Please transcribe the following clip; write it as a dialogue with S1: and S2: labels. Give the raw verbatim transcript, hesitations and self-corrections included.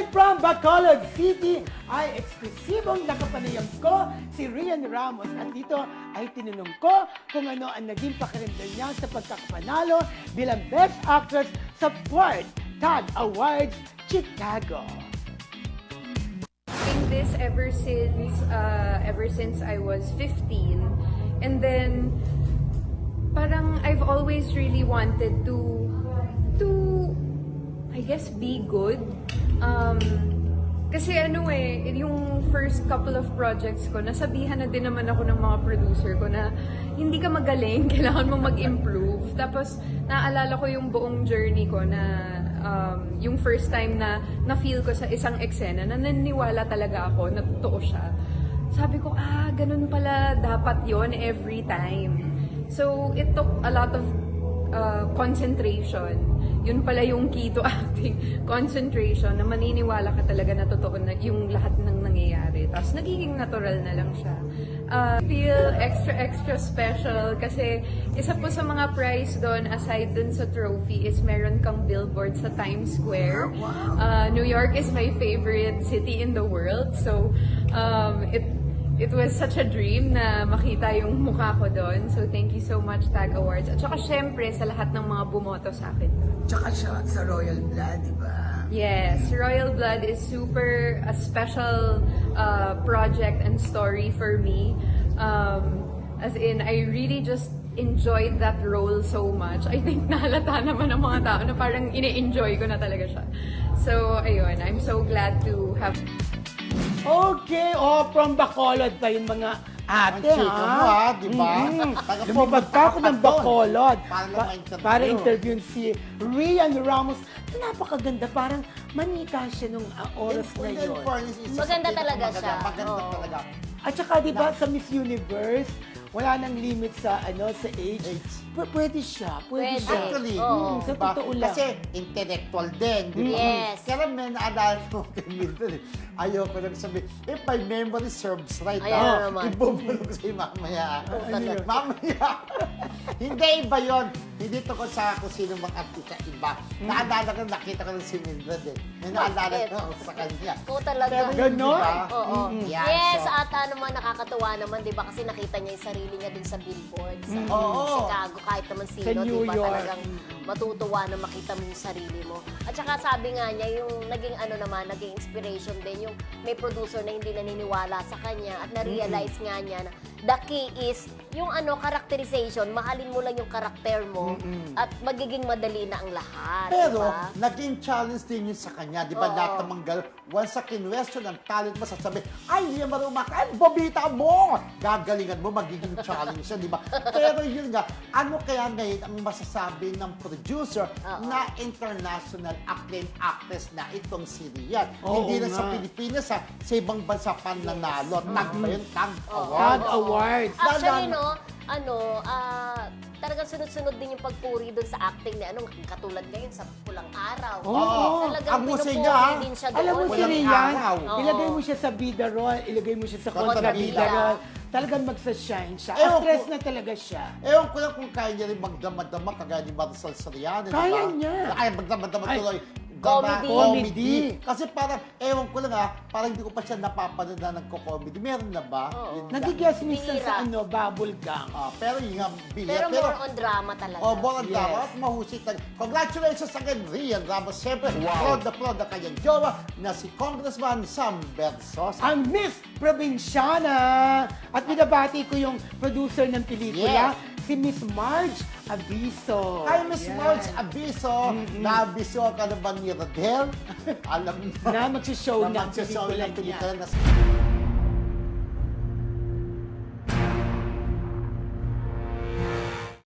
S1: Live from Bacolod City ay eksklusibong nakapanayam ko si Rian Ramos at dito ay tinanong ko kung ano ang naging pakiramdam niya sa pagkakapanalo bilang Best Actress sa fourth Tag Awards Chicago.
S2: Doing this ever since uh, ever since I was fifteen, and then parang I've always really wanted to to I guess be good. Um, kasi ano eh, yung first couple of projects ko, nasabihan na din naman ako ng mga producer ko na hindi ka magaling, kailangan mong mag-improve. Tapos naalala ko yung buong journey ko na um, yung first time na na-feel ko sa isang eksena, na naniniwala talaga ako na totoo siya. Sabi ko, ah, ganun pala dapat yon every time. So it took a lot of uh, concentration. Yun pala yung key to acting, concentration, na maniniwala ka talaga na totoo na yung lahat ng nangyayari. Tapos nagiging natural na lang siya. Uh, feel extra, extra special kasi isa po sa mga prize doon, aside dun sa trophy, is meron kang billboard sa Times Square. Uh, New York is my favorite city in the world. So, um, it It was such a dream na makita yung mukha ko doon. So, thank you so much, Tag Awards. At saka, syempre, sa lahat ng mga bumoto sa akin.
S3: Tsaka siya sa Royal Blood, di ba?
S2: Yes, Royal Blood is super a special uh, project and story for me. Um, as in, I really just enjoyed that role so much. I think nahalata naman ng mga tao na parang ine-enjoy ko na talaga siya. So, ayun, I'm so glad to have...
S1: Okay, oh, from Bacolod pa yung mga ate,
S4: Ang chika mo, ha, di ba?
S1: Mm.
S4: Taga po,
S1: Lumipad pa ako ng
S4: magkakaton.
S1: Bacolod
S4: Para lang
S1: pa-
S4: ma-interview.
S1: para interviewin si Rian Ramos. Napakaganda, parang manika siya nung uh, oras na
S4: In
S1: yun.
S4: fairness, isa sa
S5: Maganda
S4: pinaka-
S5: talaga
S4: maganda,
S5: siya.
S4: Maganda
S5: Oo.
S4: talaga.
S1: At saka, di ba, sa Miss Universe, wala nang limit sa ano sa age.
S4: Age.
S1: P- pwede siya, pwede,
S5: Pwede.
S1: siya.
S4: Actually,
S5: Oo.
S1: Mm, sa
S4: diba?
S1: totoo lang.
S4: Kasi intellectual din, di ba?
S5: Yes.
S4: Kaya may naalala ko kay Mildred, eh. Ayoko lang sabihin, if my memory serves right,
S5: Ayan
S4: ah,
S5: na naman.
S4: ibubulog sa'yo mamaya.
S1: Ano yun?
S4: Mamaya. Hindi iba yun. Hindi tungkol sa kung sino mga artista iba. Naalala ko, nakita ko lang si Mildred eh. May naalala
S5: Bakit?
S4: ko sa kanya.
S5: Oo, talaga.
S4: Pero yun,
S1: Ganon?
S4: diba?
S5: Oo.
S4: Yan,
S5: Yes,
S4: so-
S5: at ano naman, nakakatuwa naman, di ba? Kasi nakita niya yung sarili niya dun sa billboard sa
S4: Oo.
S5: Chicago. Kahit naman sino,
S1: Sa New
S5: di ba?
S1: York.
S5: Talagang matutuwa na makita mo yung sarili mo. At saka sabi nga niya, yung naging ano naman, naging inspiration din, yung may producer na hindi naniniwala sa kanya at na-realize nga niya na the key is yung ano, characterization, mahalin mo lang yung karakter mo at magiging madali na ang lahat.
S4: Pero,
S5: diba?
S4: naging challenge din yun sa kanya. Di ba,
S5: Oo.
S4: lahat ng mga girl, once sa kinwestiyon ang talent mo, sasabi, ay, hindi naman umaka, ay, babita mo! Gagalingan mo, magiging challenge yun, di ba? Pero yun nga, ano kaya ngayon ang masasabi ng producer
S5: Oo.
S4: na international acclaimed actress na itong si Rian?
S1: Oo
S4: Hindi lang sa
S1: nga.
S4: Pilipinas, ha, sa ibang bansa pa nanalo. Tag ba yun? Tag
S5: Oo.
S4: award.
S1: Tag Awards.
S5: Actually,
S4: Lalo-
S5: no, ano, ah, talagang sunod-sunod din yung pagpuri doon sa acting na ano, katulad ngayon sa Pulang Araw.
S1: Oo.
S5: Talagang
S4: Ang musay
S5: pinupuri
S4: niya,
S5: din siya doon.
S1: Alam mo si
S4: Walang
S1: Rian,
S4: araw.
S5: Oo.
S1: ilagay mo siya sa bida roll, ilagay mo siya sa kontrabida
S4: Kontrabida.
S1: roll. Talagang magsa-shine siya.
S4: Ewan
S1: Actress
S4: ko-
S1: na talaga siya.
S4: Ewan ko lang kung kaya niya rin magdama-dama kagaya ni Marisol Soriano. di
S1: Kaya
S4: ba?
S1: niya.
S4: Ay, magdama-dama
S1: Ay,
S4: tuloy.
S5: comedy.
S1: Comedy.
S4: Kasi parang, ewan ko lang ha, parang hindi ko pa siya napapanood na nagko-comedy. Meron na ba?
S5: Oo.
S4: Yun nga.
S1: Nagigess minsan
S5: Bihira.
S1: sa ano, bubble gum.
S4: Ah, pero yun nga,
S5: Pero
S4: bihira.
S5: more on drama talaga.
S4: Oh, more on
S1: Yes.
S4: drama at mahusay talaga. Congratulations again, Rian Ramos. Siyempre, proud na proud na kanyang jowa na si Congressman Sam Bersosa.
S1: Ang Miss Provinciana. At binabati ko yung producer ng pelikula, si Miss Marge Abiso.
S4: Ay, Miss
S1: Yan.
S4: Marge Abiso, na-abiso ka na ba ni Rodel? Alam mo.
S1: Na magsishow
S4: na
S1: ng
S4: magsishow
S1: pelikula
S4: ng
S1: niya.
S4: pelikula na